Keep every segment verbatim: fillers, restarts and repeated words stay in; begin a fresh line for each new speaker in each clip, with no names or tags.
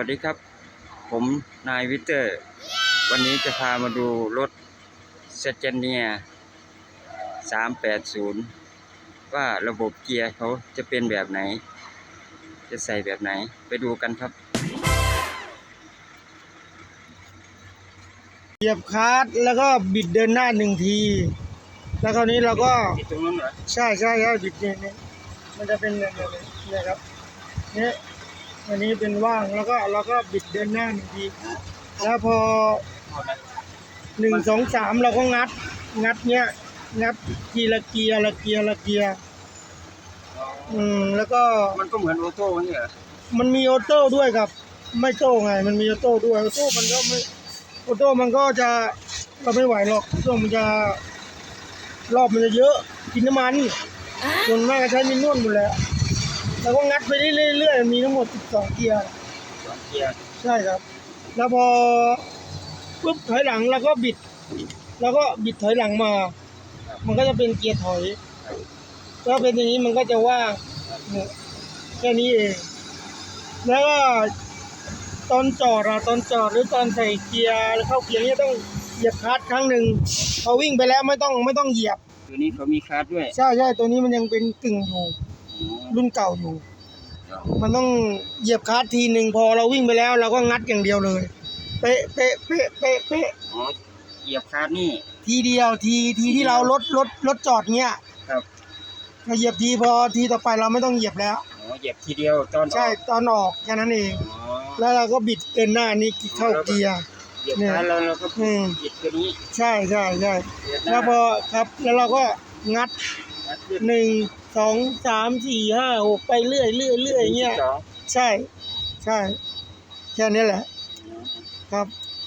วัสดีครับผมนายวิเตอร์วันนี้จะพามาดูรถเซเจเนียสามแปดศูนย์ว่าระบบเกียร์เขาจะเป็นแบบไหนจะใส่แบบไหนไปดูกันครับ
เหยียบคลัตช์แล้วก็บิดเดินหน้าหนึ่งทีแล้วคราวนี้เราก็
ตรงนั้นเหรอ
ใช่ใช่ใช่บิดเนี่ยเนี่ยมันจะเป็นแบบนี้เนี่ยครับเนี่ยอันนี้เป็นว่างแล้วก็เราก็บิดเดินหน้าหนึ่งทีแล้วพอหนึ่งสองสามเราก็งัดงัดเนี้ยงัดทีละเกียร์ละเกียร์ละเกียร์อืมแล้วก็
มันก็เหมือนออโต้นี่เหรอ
มันมีออโต้ด้วยครับไม่โต้ไงมันมีออโต้ด้วยออโต้มันก็ไม่ออโต้มันก็จะเราไม่ไหวหรอกช่วงมันจะรอบมันจะเยอะกินน้ำมันส่วนมากก็ใช้มินนวลหมดแล้วแล้วก็งัดไปเรื่อยๆมีทั้งหมดสิบสองเกียร์
สองเกียร์
ใช่ครับแล้วพอปุ๊บถอยหลังแล้วก็บิดแล้วก็บิดถอยหลังมามันก็จะเป็นเกียร์ถอยถ้าเป็นอย่างนี้มันก็จะว่างแค่นี้เองแล้วก็ตอนจอดอะตอนจอดหรือตอนใส่เกียร์เข้าเกียร์นี่ต้องเหยียบคลัตช์ครั้งหนึ่งพอวิ่งไปแล้วไม่ต้องไม่ต้องเหยียบ
ตัวนี้เขามีคลัตช์ด้วย
ใช่ใช่ตัวนี้มันยังเป็นกึ่งอยู่รุ่นเก่าอยู่มันต้องเหยียบคลัตช์ทีหนึ่งพอเราวิ่งไปแล้วเราก็งัดอย่างเดียวเลยเป๊ะเป๊ะเป๊ะเป๊ะเป๊ะ
อ๋อเหยียบคลัตช์นี่
ทีเดียวทีทีที่เรารถรถรถจอดเงี้ย
ครับ
เราเหยียบทีพอทีต่อไปเราไม่ต้องเหยียบแล้ว
อ๋อเหยียบทีเดียวตอน
ใช่ตอนออกแค่นั้นเองแล้วเราก็บิดเดินหน้านี่เข้าเกียร์
เนี่ยแล้วเราก็บิดตัวนี้
ใช่ใช่ใช่แล้วพอครับแล้วเราก็งัดหนึ่งสองสามสี่ห้าหกไปเรื่อยเรื่อยเรื่อยเงี้ยใช่ใช่แค่นี้แหละครับ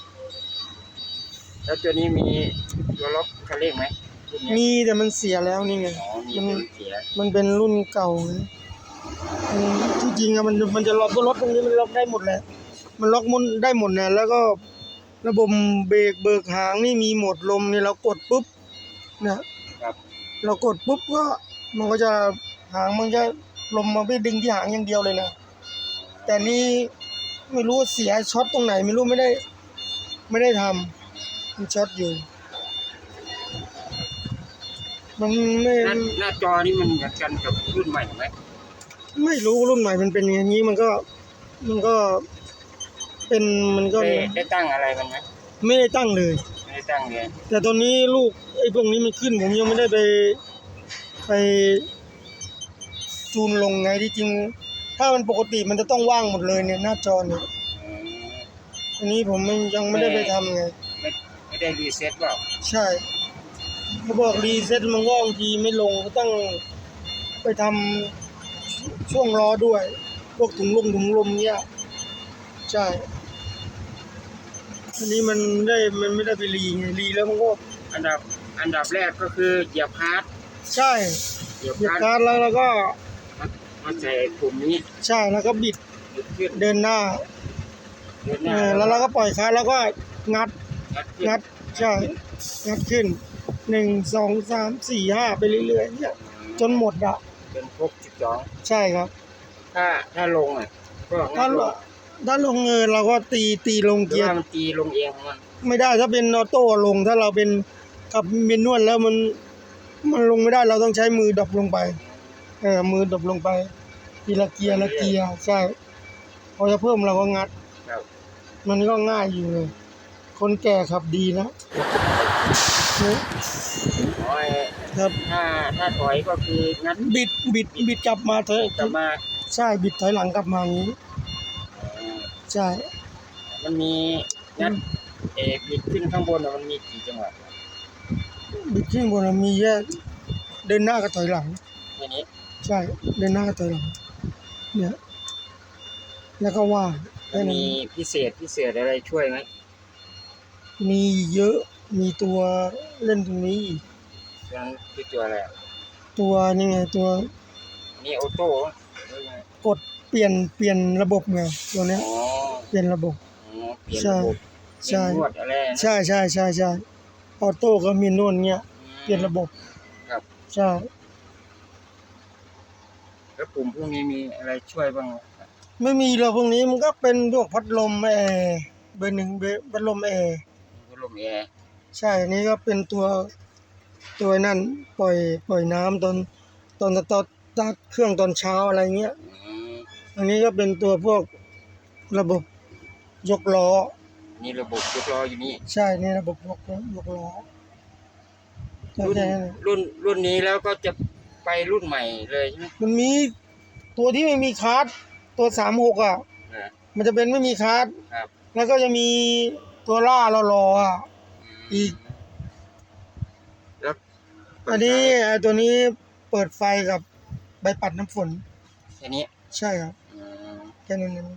แล้วตัวนี้มีตัวล็อกคันเร่งไหม
มีแต่มันเสียแล้วนี่ไง
มันเสีย
มันเป็นรุ่นเก่าที่จริงอะมันมันจะล็อกรถตรงนี้มันล็อกได้หมดแหละมันล็อกมุนได้หมดเนี่ยแล้วก็ระบบเบรกเบิกหางนี่มีโหมดลมนี่เรากดปุ๊บเนี่ยเรากดปุ๊บก็มันก็จะหางมันจะลมมาไปดึงที่หางอย่างเดียวเลยนะแต่นี่ไม่รู้เสียช็อตตรงไหนไม่รู้ไม่ได้ไม่ได้ทำมันช็อตอยู่มันไม่
หน้าจอนี่มันเหมือนกันกับรุ่นใหม่ไหม
ไม่รู้รุ่นใหม่มันเป็นอย่างนี้มันก็มันก็เป็นมันก็
ได้ตั้งอะไรมันไหม
ไม่ได้ตั้งเลย
ไม่ได้ตั้งเลย
แต่ตอนนี้ลูกไอ้พวกนี้มันขึ้นผมยังไม่ได้ไปไปจูนลงไงที่จริงถ้ามันปกติมันจะต้องว่างหมดเลยเนี่ยหน้าจอเนี่ยอันนี้ผมยังไม่ได้ไปทำไง
ไม่ไม่ได้รีเซ็ตเปล่า
ใช่เขาบอกรีเซ็ตมันก็บางทีไม่ลงก็ต้องไปทำช่วงล้อด้วยพวกถุงลมถุงลมเนี่ยใช่อันนี้มันได้มันไม่ได้ไปรีไงรีแล้วมันก็
อันดับอันดับแรกก็คือเหยียบคลัตช์
ใช่เหยียบคลัตช์แล้วแล้วก็
มาใส่ปุ่มนี้
ใช่แล้วก็บิดเดินหน้าแล้วเราก็ปล่อยคลัตช์แล้วก็งัดงัดใช่งัดขึ้นหนึ่งสองสามสี่ห้าไปเรื่อยๆเนี่ยจนหมดอะ
เป็นครบสิบสอง
ใช่ครับ
ถ้าถ้าลงอ่ะก็
ถ้าถ้าลงเงินเราก็ตีตีลงเกียร์
มันตีลงเองมัน
ไม่ได้ถ้าเป็นออโต้ลงถ้าเราเป็นกับเมนนวลแล้วมันมันลงไม่ได้เราต้องใช้มือดรอปลงไปเออมือดรอปลงไปทีละเกียร์ละเกียร์ใช่พอจะเพิ่มเราก็งัดมันก็ง่ายอยู่เลยคนแก่ขับดีนะครับ
ถ้าถ้าถอยก็คืองัด
บิดบิดบิดกลับมาเถอะ
กลับมา
ใช่บิดถอยหลังกลับมาอย่างนี้ใช่
มันมีงัดเอบิดขึ้นข้างบนมันมีกี่จังหวะ
บิดขึ้นบนมีแยกเดินหน้ากับถอยหลัง
อย่างนี้
ใช่เดินหน้ากับถอยหลังเนี่ยแล้วก็ว่า
มีพิเศษพิเศษอะไรช่วยไหม
มีเยอะมีตัวเล่นตรงนี้อีก
คือตัวอะไร
ตัวนี่ไงตัว
นี่ออโต้
กดเปลี่ยนเปลี่ยนระบบไงตัวนี้เปลี่ยนระบบ
ใช่
ใช่ใช่ใช่ใช่ใช่ออโต้ก็มีนวลเงี้ยเปลี่ยนระบบ
ครับ
ใช่
แล้วปุ่มพวกนี้มีอะไรช่วยบ้าง
ไม่มีหรอกพวกนี้มันก็เป็นพวกพัดลมแอร์เบอร์หนึ่งเบอร์พัดลมแอร์
พัดลมแอร์
ใช่อันนี้ก็เป็นตัวตัวนั่นปล่อยปล่อยน้ำตอนตอนตอนตัดเครื่องตอนเช้าอะไรเงี้ย
อืม
อันนี้ก็เป็นตัวพวกระบบยกล้อ
นี่ระบบยกล้ออยู่นี่
ใช่นี่ระบบยกล้อยกล้อ
รุ่น
แค่นั้น
รุ่นรุ่นนี้แล้วก็จะไปรุ่นใหม่เลยใช่ไหม
มันมีตัวที่ไม่มีคาร์ดตัวสามหกอ่ะ
อ่า
มันจะเป็นไม่มีคาร์ด
ครับ
แล้วก็จะมีตัวล่ารอๆอ่ะ อีก
แล้ว
อันนี้ไอ้ตัวนี้เปิดไฟกับใบปัดน้ำฝน
แค่นี้
ใช่ครับ
อืม
แค่นั้นเอง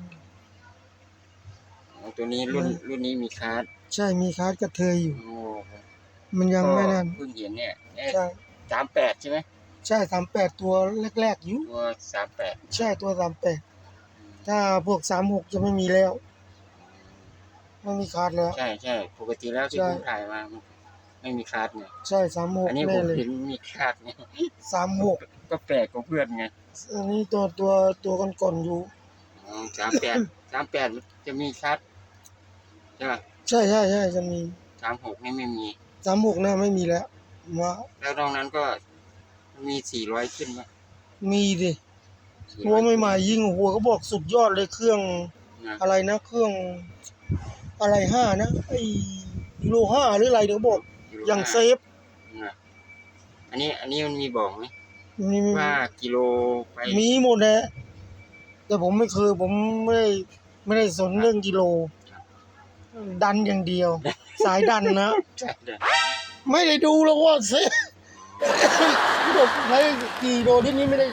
อ๋อตัวนี้รุ่นรุ่นนี้มีคาร์ด
ใช่มีคาร์ดกระเทยอยู่
โอ้
มันยังไม่นั่น
ก็เพิ่งเห็นเนี่ยเอ๊ะ
ใช่
สามแปดใช่ไหม
ใช่สามแปดตัวแรกๆอยู่
ตัวสามแปด
ใช่ตัวสามแปดถ้าพวกสามหกจะไม่มีแล้วไม่มีคาร์ดแล้ว
ใช่ใช่ปกติแล้วที่
ใช่
ผมถ่ายมามันไม่มีคาร์ดไง
ใช่สามหก
อันนี้ผ
แน่
ม
เลย
เห็นมีคาร์ดไง
สามหก
ก็แปลกกว่าเพื่อนไง
อันนี้ตัวตัวตัวก่อนๆอยู่
อ๋อสามแปดสามแปดจะมีคาร์ดใช่ป่ะ
ใช่ใช่ใช่จะมี
สามหกนี่ไม่มี
สามหกนะไม่มีแล้วว่า
แล้วนอกนั้นก็มีสี่ร้อยขึ้นป่ะ
มีดิ
สี่
หั
ร้
ว
อย
ใหม่ๆยิงหัวเขาบอกสุดยอดเลยเครื่อง
นะ
อะไรนะเครื่องอะไรห้านะไอ้ยูโรห้าหรืออะไรเดี๋ยวบอกอย่างเซฟ
นะอันนี้อันนี้มันมีบอกไหม
มีมี
ว่ากิโลไป
มีหมดแหละแต่ผมไม่เคยผมไม่ได้ไม่ได้สนเรื่องกิโล ดันอย่างเดียว สายดันนะ
ใช่เลย
ไม่ได้ดูแล้วว่าเซฟบอกใช้กี่โลที่นี้ไม่ได้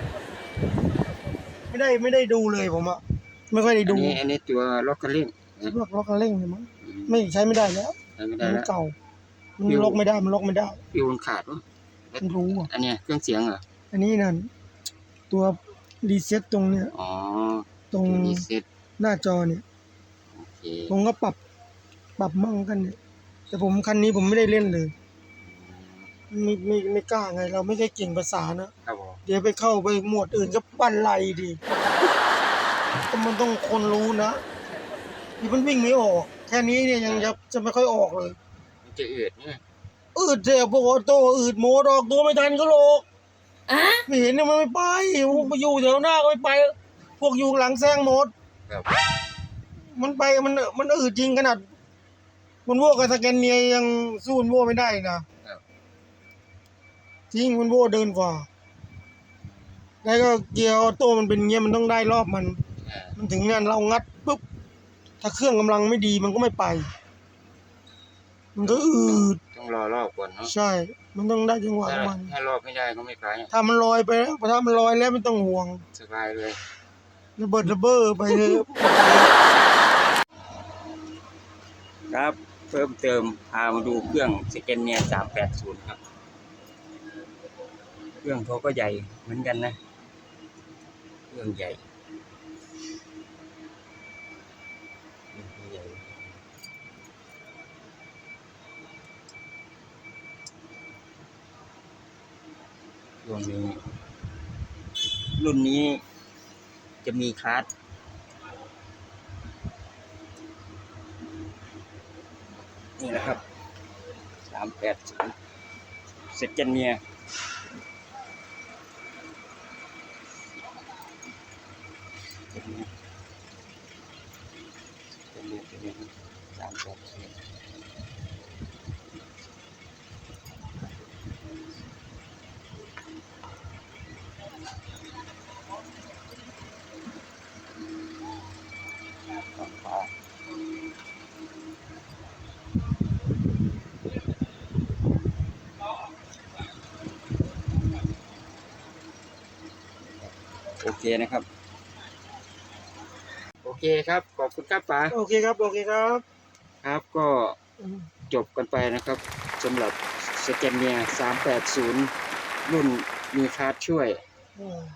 ไม่ได้ไม่ได้ดูเลยผมอะไม่ค่อยได้
อัน
ดู
นี้อันนี้ตัวล็อกเกอริ่งนะ
พวกล็อกกันเร่งเนี่ยมั้งไม่ใช้ไม่ได้แล้ว
ใช้ไม่
มั
ได้
น
แล้ว
เก่ามันล็อกไม่ได้มันล็อกไม่ได้
ฟิวมันขาดวะ
มันรู้อ่ะ
อันเนี้ยเครื่องเสียงเหรอ
อันนี้นั่นตัวรีเซ็ตตรงเนี้ย
อ๋อ
ตรง
รีเซ็ต
หน้าจอเนี่ย
โอเค
ผมก็ปรับปรับมั่งกันเนี่ยแต่ผมคันนี้ผมไม่ได้เล่นเลยไม่ไม่ไม่กล้าไง เราไม่ได้เก่งภาษานะครับ
ผม
เดี๋ยวไปเข้าไปหมวดอื่นก็ปั้นไหลดิก็มันต้องคนรู้นะที่มันวิ่งไม่ออก แค่นี้เนี่ยยังจะจะไม่ค่อยออกเลย
มันจะอืดเนี่ย
อืดเสียพวกออโต้อืดโมดออกตัวไม่ทันก็โลกไม่เห็นเนี่ยมันไม่ไปพวกไปอยู่แถวหน้าก็ไม่ไป พวกอยู่หลังแซงหมด
ครับ
มันไปมันมันอืดจริงขนาดมันโว้กับสแกนเนียยังสู้มันโว้ไม่ได้นะครับ จริงมันโว้เดินกว่าแล้วก็เกียร์ออโต้มันเป็นเงี้ยมันต้องได้รอบมัน
อ่า
มันถึงงานเรางัดปุ๊บถ้าเครื่องกำลังไม่ดีมันก็ไม่ไป มันก็อืด
ต้องรอรอบก่อนเนาะ
ใช่ มันต้องได้จังหวะ
ถ้า
ของมัน
ถ้ารอบไม่ได้ก็ไม่ไป
ถ้ามันลอยไปแล้วถ้ามันลอยแล้วไม่ต้องห่วง
สบายเลย
ระเบิดระเบ้อไปเลย
ครับเพิ่มเติมพามาดูเครื่องสแกนเนียสามแปดศูนย์ครับเครื่องเขาก็ใหญ่เหมือนกันนะเครื่องใหญ่เครื่องใหญ่รุ่นนี้รุ่นนี้จะมีคลาสนี่แหละครับสามแปดศูนย์สแกนเนียสามแปดศูนย์โอเคนะครับ โอเคครับ ขอบคุณครับป๋า
โอเคครับโอเคครับ
ครับก็จบกันไปนะครับสำหรับสแกนเนียสามแปดศูนย์รุ่นมีคาร์ดช่วย
อืม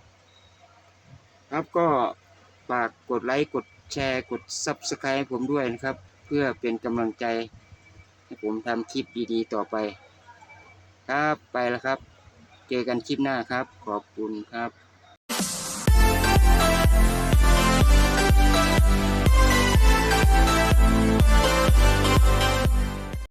ครับก็ฝากกดไลค์กดแชร์กด ซับสไครบ์ ให้ผมด้วยนะครับ เพื่อเป็นกำลังใจให้ผมทำคลิปดีๆต่อไป ครับไปแล้วครับ เจอกันคลิปหน้าครับ ขอบคุณครับ